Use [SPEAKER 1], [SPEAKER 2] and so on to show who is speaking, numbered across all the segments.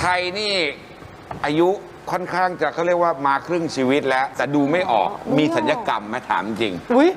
[SPEAKER 1] ทยนี่อายุค่อนข้างจะเขาเรียกว่ามาครึ่งชีวิตแล้ว แต่ดูไม่ออกมีสัญญกรรมไหมถามจริง
[SPEAKER 2] อุ้ย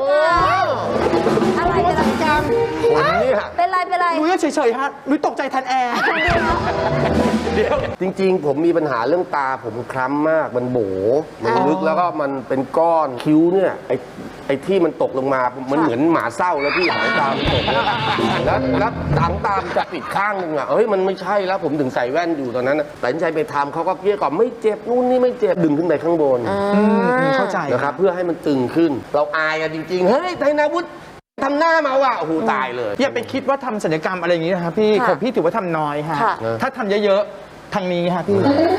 [SPEAKER 3] อะไรเป็นไร
[SPEAKER 2] กรรม
[SPEAKER 4] คนเนี่ย
[SPEAKER 3] เป็นไรเป็นไร
[SPEAKER 2] นุ้ยเฉยๆฮะนุ้ยตกใจแทนแอร์เดี๋ยว
[SPEAKER 4] จริงๆ ผมมีปัญหาเรื่องตาผมคล้ำมากมันโบมันลึกแล้วก็มันเป็นก้อนคิ้วเนี่ยไอ้ที่มันตกลงมามันเหมือนหมาเศร้าแล้วพี่หางตามตกแล้วหางตามจะปิดข้างนึงอ่ะเฮ้ยมันไม่ใช่แล้วผมถึงใส่แว่นอยู่ตอนนั้นแต่ใจไปทำเขาก็เกลี้ยกล่อมไม่เจ็บนู่นนี่ไม่เจ็บดึงขึ้นไปข้างบน
[SPEAKER 2] เข้าใจ
[SPEAKER 4] นะครับเพื่อให้มันตึงขึ้น เราอายกันจริงๆเฮ้ยไทยนาวุฒิทำหน้ามาว่ะโอ้โหตายเลย
[SPEAKER 2] อย่าไปคิดว่าทำศัลยกรรมอะไรอย่างนี้นะครับพี่ของพี่ถือว่าทำน้อยฮะ
[SPEAKER 3] ค่ะ
[SPEAKER 2] ถ้าทำเยอะๆทางนี้ฮะพี่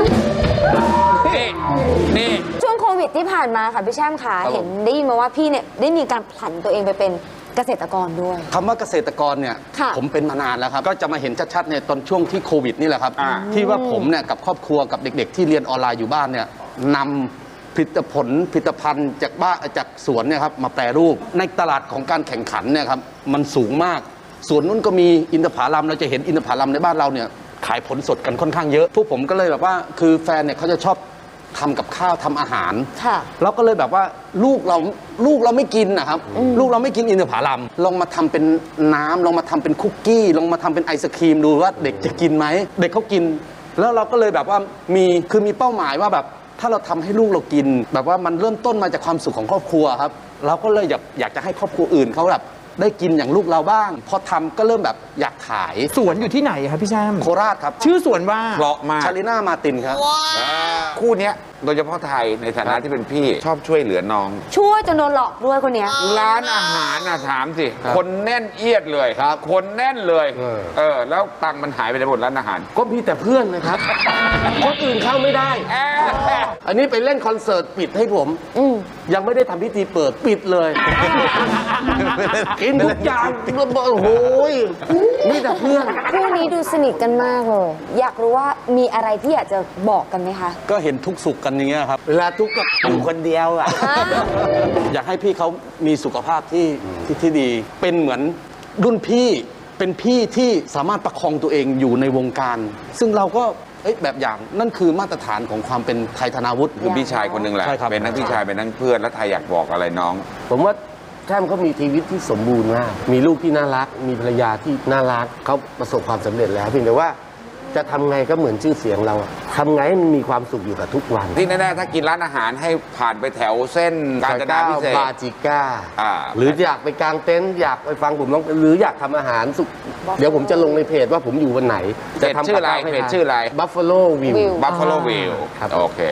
[SPEAKER 1] นี่
[SPEAKER 3] ช่วงโควิดที่ผ่านมาค่ะพี่แช่มขาเห็นได้ยินมาว่าพี่เนี่ยได้มีการผลันตัวเองไปเป็นเกษตรกรด้วย
[SPEAKER 5] คำว่าเกษตรกรเนี่ย
[SPEAKER 3] ค่ะ
[SPEAKER 5] ผมเป็นมานานแล้วครับ ก็จะมาเห็นชัดๆเนี่ยตอนช่วงที่โควิดนี่แหละครับ ที่ว่าผมเนี่ยกับครอบครัวกับเด็กๆ ที่เรียนออนไลน์อยู่บ้านเนี่ยนำผลิตภัณฑ์จากสวนเนี่ยครับมาแปรรูปในตลาดของการแข่งขันเนี่ยครับมันสูงมากสวนนู้นก็มีอินทผลัมเราจะเห็นอินทผลัมในบ้านเราเนี่ยขายผลสดกันค่อนข้างเยอะพวกผมก็เลยแบบว่าคือแฟนเนี่ยเขาจะชอบทำกับข้าวทำอาหาร
[SPEAKER 3] ค่ะ
[SPEAKER 5] เราก็เลยแบบว่าลูกเราไม่กินนะครับลูกเราไม่กินอินทผลัมลองมาทำเป็นน้ำลองมาทำเป็นคุกกี้ลองมาทำเป็นไอศครีมดูว่าเด็กจะกินไหมเด็กเขากิน แล้วเราก็เลยแบบว่ามีเป้าหมายว่าแบบถ้าเราทำให้ลูกเรากิน แบบว่ามันเริ่มต้นมาจากความสุขของครอบครัวครับเราก็เลยอยากจะให้ครอบครัวอื่นเขาแบบได้กินอย่างลูกเราบ้างพอทำก็เริ่มแบบอยากขาย
[SPEAKER 2] สวนอยู่ที่ไหนครับพี่แช่ม
[SPEAKER 5] โคราชครับ
[SPEAKER 2] ชื่อสวนว่า
[SPEAKER 1] เพราะมาก
[SPEAKER 5] ชาลิน่ามาตินครับ
[SPEAKER 1] คู่เนี้ยโดยเฉพาะไทยในฐานะที่เป็นพี่ชอบช่วยเหลือน้อง
[SPEAKER 3] ช่วยจนโดนหลอกด้วยคนเนี้ย
[SPEAKER 1] ร้านอาหารนะถามสิ
[SPEAKER 5] ครับ
[SPEAKER 1] คนแน่นเอียดเลย
[SPEAKER 5] ครับ
[SPEAKER 1] คนแน่นเลย
[SPEAKER 4] เออ
[SPEAKER 1] แล้วตังค์มันหายไปในหมดร้านอาหาร
[SPEAKER 4] ก็มีแต่เพื่อนนะครับ คนอื่นเข้าไม่ได้ อันนี้ไปเล่นคอนเสิร์ตปิดให้ผม ยังไม่ได้ทำพิธีเปิดปิดเลย กินทุกอย่างโอ้โหมีแต่เพื่อน
[SPEAKER 3] คู่นี้ดูสนิทกันมากเลย อยากรู้ว่ามีอะไรที่อยากจะบอกกันไหมคะ
[SPEAKER 5] ก็เห็นทุกสุขกันอย่างเงี้ยครับ
[SPEAKER 4] เวลาทุกข์ก็อยู่คนเดียวอ่ะ
[SPEAKER 5] อยากให้พี่เขามีสุขภาพที่ดี เป็นเหมือนรุ่นพี่เป็นพี่ที่สามารถประคองตัวเองอยู่ในวงการ ซึ่งเราก็แบบอย่างนั่นคือมาตรฐานของความเป็นไทยธนาวุฒิ
[SPEAKER 1] คือพี่ชายคนหนึ่งแหละ
[SPEAKER 5] ใช่ครับ
[SPEAKER 1] เป็นทั้งพี่ชายเป็นทั้งเพื่อนแล้วไทยอยากบอกอะไรน้อง
[SPEAKER 4] ผมว่าแท่มเขามีชีวิตที่สมบูรณ์มาก มีลูกที่น่ารัก มีภรรยาที่น่ารัก เขาประสบความสำเร็จแล้วเพียงแต่ว่าจะทำไงก็เหมือนชื่อเสียงเราอะทำไงให้มันมีความสุขอยู่กับทุกวัน
[SPEAKER 1] ที่แน่ๆถ้ากินร้านอาหารให้ผ่านไปแถวเส้นกาญจนาพิเศษ
[SPEAKER 4] บาจิก้า
[SPEAKER 1] อ่า
[SPEAKER 4] หรืออยากไปกางเต็นท์อยากไปฟังผมร้องหรืออยากทำอาหารสุกเดี๋ยวผมจะลงในเพจว่าผมอยู่วันไหน
[SPEAKER 1] เพจชื่ออะไรเพจชื่ออะไร
[SPEAKER 4] Buffalo View
[SPEAKER 1] Buffalo View
[SPEAKER 4] ครับ
[SPEAKER 1] โอเค